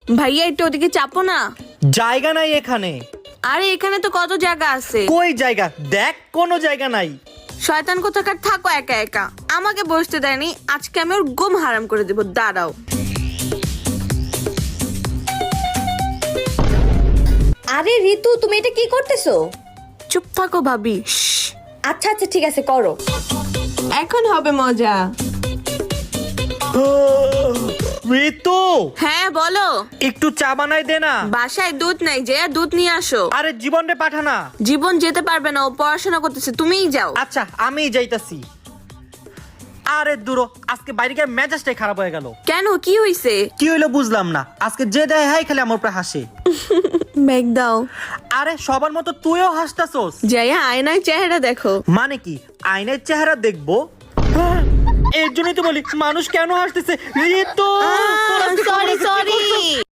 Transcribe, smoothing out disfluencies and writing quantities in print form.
ভাইয়া একটু ওদিকে চাপো না। জায়গা নাই এখানে। আরে এখানে তো কত জায়গা আছে। কই জায়গা? দেখ কোনো জায়গা নাই। শয়তান কোথাকার, থাকো একা একা। আমাকে বসতে দেয়নি, আজকে আমি ওর ঘুম হারাম করে দেবো, দাঁড়াও। আরে ঋতু, তুমি এটা কি করতেছো? চুপ থাকো ভাবি। আচ্ছা আচ্ছা ঠিক আছে, করো। এখন হবে মজা। ঋতু, হ্যাঁ বলো। একটু চা বানাই দে না। বাসায় দুধ নাই, যে দুধ নিয়ে আসো। আরে জীবন রে পাঠা না। জীবন যেতে পারবে না, ও পড়াশোনা করতেছে, তুমিই যাও। আচ্ছা আমিই যাইতাছি। আরে দূর, আজকে বাইরে গিয়ে মেজাজটাই খারাপ হয়ে গেল। কেন, কি হইছে? কি হইলো বুঝলাম না। আজকে যে দেয় হাই খালি আমার উপরে হাসে। ব্যাগ দাও। আরে সবার মতো তুইও হাসতাছস। যাইয়া আয়নায় চেহারা দেখো। মানে কি আয়নার চেহারা দেখবো? হ্যাঁ, এর জন্যই তো বলি মানুষ কেন হাসতেছে। Ritu, sorry sorry.